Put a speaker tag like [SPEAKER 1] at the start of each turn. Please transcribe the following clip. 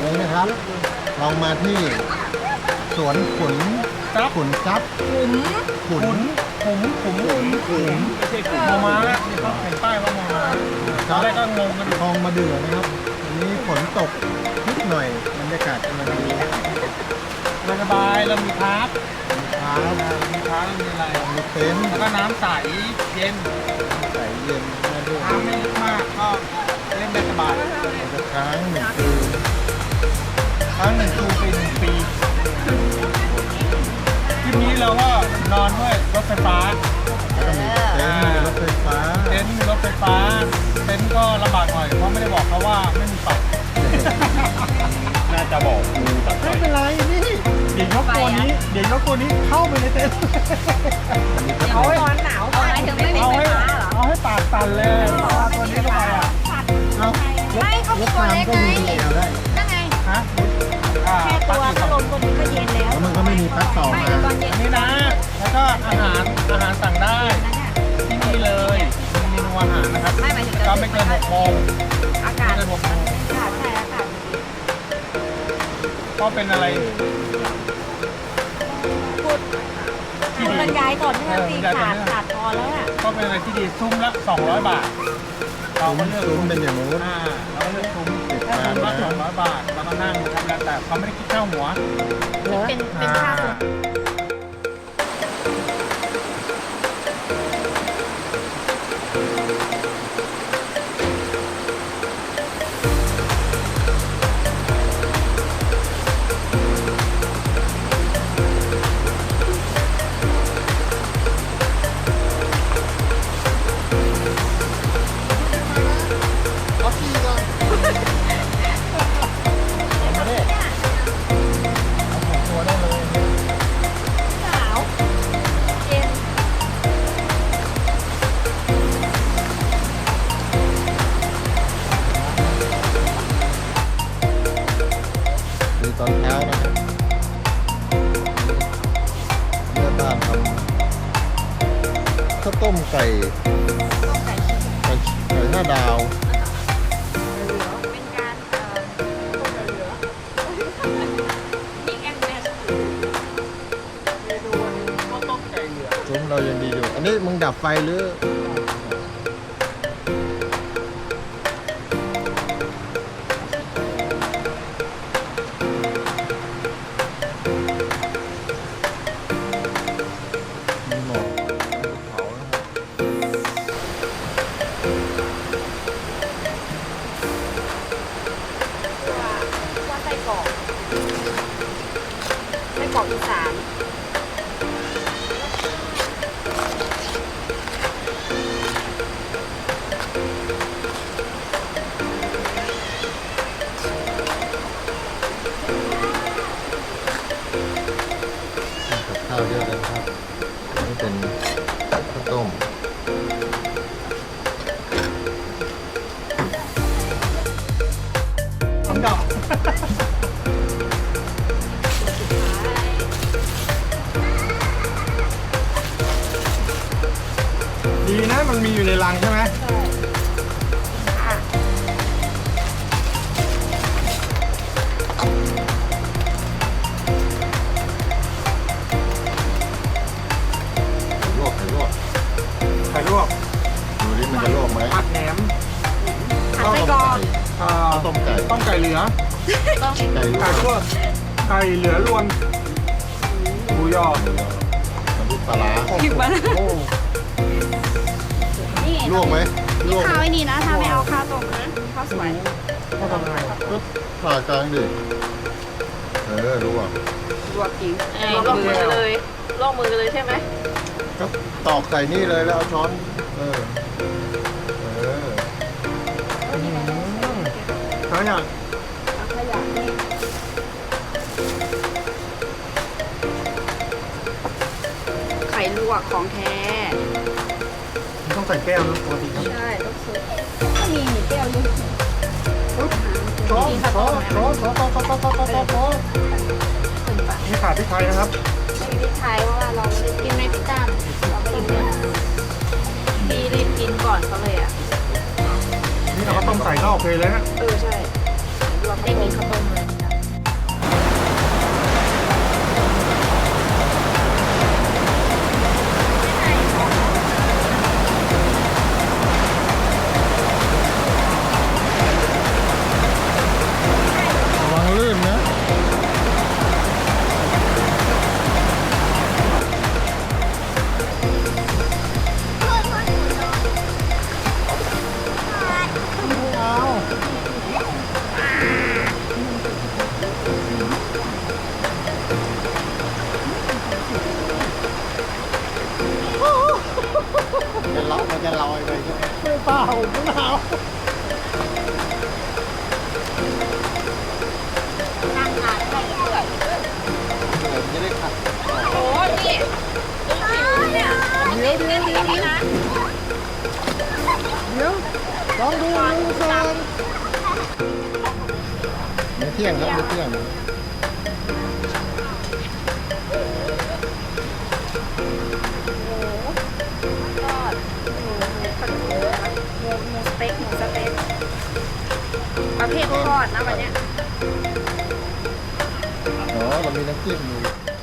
[SPEAKER 1] นี่นะครับลองมาที่สวนขุนทรัพย์ขุน
[SPEAKER 2] ไม่ใช่กลุ่มมอม้านี่เขาเห็นป้ายว่ามอม้าตอนแรกก็งงกัน
[SPEAKER 1] คลองมาเดือนะครับวันนี้ฝนตกนิดหน่อยบรรยากาศกำลังดี
[SPEAKER 2] สบายเรามีพาร์ท
[SPEAKER 1] ครับ
[SPEAKER 2] มีพาร์ทมีอะไร
[SPEAKER 1] มีเต็นท์
[SPEAKER 2] แล้วก็น้ำใสเย็น
[SPEAKER 1] ใส่เย็นมาด้วย
[SPEAKER 2] น้ำไม่ลึกมากก็เล่นได้สบาย
[SPEAKER 1] เราจะค้างหนึ่งคืน
[SPEAKER 2] ทั้ง1 ปีทริปนี้เราก็นอนด้วยรถไฟฟ้า
[SPEAKER 1] แล้วก็มีเต็นท์มีรถไฟฟ้า
[SPEAKER 2] เต็นท์มีรถไฟฟ้าเต็นท์ก็ลำบากหน่อยเพราะไม่ได้บอกเขาว่าไม่มีไฟ
[SPEAKER 3] น่าจะบอกงูตัดไฟ
[SPEAKER 1] ไม่เป็นไรนี่
[SPEAKER 2] เดี๋ยวยกตัวนี้เข้าไปในเต็นท์
[SPEAKER 4] เอาให้ร้อนหนาวอะไรถึงไม่มีไฟฟ้าเหรอ
[SPEAKER 2] เอาให้ปากสั่นเลยเอาตัวนี้เข้าไปอ่ะ
[SPEAKER 1] เอา
[SPEAKER 4] ไม่เขา
[SPEAKER 1] รถ
[SPEAKER 4] ตัว
[SPEAKER 1] ตาม
[SPEAKER 4] เล็ก
[SPEAKER 1] ก็
[SPEAKER 4] ไง
[SPEAKER 1] มีแอลได้
[SPEAKER 4] นั่นไง
[SPEAKER 2] ฮะ
[SPEAKER 4] แค่ตัวก็ลมตัวนี้ก็เย็นแล้ว
[SPEAKER 1] แล้วมันก็ไม่มีปลั๊กต่อ
[SPEAKER 4] ไม่
[SPEAKER 1] มา
[SPEAKER 4] เดี๋ยวตอนเย็น
[SPEAKER 2] อันนี้นะ แล้วก็อาหารสั่งได้
[SPEAKER 4] นั่นน่ะ
[SPEAKER 2] ที่นี่เลยมีเมนูอาหารนะครับ
[SPEAKER 4] ไม่หมายถึง
[SPEAKER 2] ก็ไม่เกิน6 โมง
[SPEAKER 4] อากาศ
[SPEAKER 2] ไม่เกิน6 โมง
[SPEAKER 4] ค่ะใช่อากาศ
[SPEAKER 2] ก็เป็นอะไร
[SPEAKER 4] พูด
[SPEAKER 2] ที่
[SPEAKER 4] คุณ
[SPEAKER 2] ดี
[SPEAKER 4] บรรยายก่อนที่ตีขาดพอแล้วอ่ะ
[SPEAKER 2] ก็เป็นอะไรที่ดีซุ้มละ200 บาท เราก็เลือก
[SPEAKER 1] ซุ้มเป็นอย่างนู้น
[SPEAKER 2] เราก็เลือกซุ้ม
[SPEAKER 1] ติด
[SPEAKER 2] แค่
[SPEAKER 1] ตาม
[SPEAKER 2] ซุ้มละ
[SPEAKER 1] นะ
[SPEAKER 2] 200 บาทเราก็นั่งทำแล้วแต่เขาไม่ได้คิดค่าหัว
[SPEAKER 4] เป็นค่าส่วน
[SPEAKER 1] เอาที่ก่อนเอามาดิเอาตัวได้เลย
[SPEAKER 4] หนาวเย็น
[SPEAKER 1] ดูตอนเช้านะครับแม่บ้านทำข้าวต้มไก่
[SPEAKER 4] ต้องใส่ชิ้น
[SPEAKER 1] ไก่5 ดาว
[SPEAKER 4] เป็นการต้มเหลือมีแอมแมส
[SPEAKER 2] เมนูข้าวต้มไก่เหลือง
[SPEAKER 1] ซุ้มเรายังดีอยู่ อันนี้มึงดับไฟหรือมีหมอกเผานะครับ
[SPEAKER 4] ว่าไส้กรอกอีสาน
[SPEAKER 1] กับข้าวเยอะเลยนะครับอันนี่เป็นข้าวต้ม
[SPEAKER 2] ดอกดีนะมันมีอยู่ในรังใช่ไหม
[SPEAKER 1] ลวกไข่ลวก
[SPEAKER 2] ไข่ลวก
[SPEAKER 1] ดูนี่มันจะลวกไหม
[SPEAKER 2] ผัดแหนม
[SPEAKER 4] ผัดไส้กรอก
[SPEAKER 2] อ่า
[SPEAKER 1] ต้มไก่
[SPEAKER 2] ต้มไก่เหลือ
[SPEAKER 4] ต้อง
[SPEAKER 1] ไก่ลว
[SPEAKER 2] ไก่
[SPEAKER 1] ก
[SPEAKER 2] ลวกไก่เหลือรวนหมูยอ
[SPEAKER 1] น้ำพริกปลาร้า
[SPEAKER 4] ผิวมัน
[SPEAKER 2] โอ้
[SPEAKER 4] นี่
[SPEAKER 1] ลวกไหมลวก
[SPEAKER 4] ข้าวไอ้นี่นะถ้าไม่เอาข้าวต้มนะข้าวสวย
[SPEAKER 2] เขาทำไง
[SPEAKER 1] ก็ผ่ากลางดิลวก
[SPEAKER 4] ลวกจริงลวกมือเลยลวกมือเลยใช่ไหม
[SPEAKER 1] ก็ตอกใส่นี่เลยแล้วเอาช้อน เออ
[SPEAKER 2] เขาอยาก
[SPEAKER 4] ขยะนี่ไข่ลวกของแท้
[SPEAKER 2] ต้องใส่แก้วนะปกติครับ
[SPEAKER 4] ใช่ต้องซื้อก็มีหนึ่งแก้วอยู่
[SPEAKER 2] ช้อนนี่ขาดพริกไทยนะครับ
[SPEAKER 4] ไม่มีพริกไทยเพราะว่าเราไม่ได้กินในพิตั้มเราไม่ได้กินพี่รีบกินก่อนเขาเลยอ่ะ
[SPEAKER 2] นี่เราก็ต้มใส่ก็โอเคเลยฮะ
[SPEAKER 4] ใช่เราไม่ได้กินข้าวต้มเลย
[SPEAKER 1] เที่ยงครับมื้อเที่ยง
[SPEAKER 4] หมูทอดหมูผัดหมูนะคะหมูสเต็กหมูสเต็กประเภททอดนะวันเนี้ย
[SPEAKER 1] อ๋อเรามีน้ำจิ้มอยู่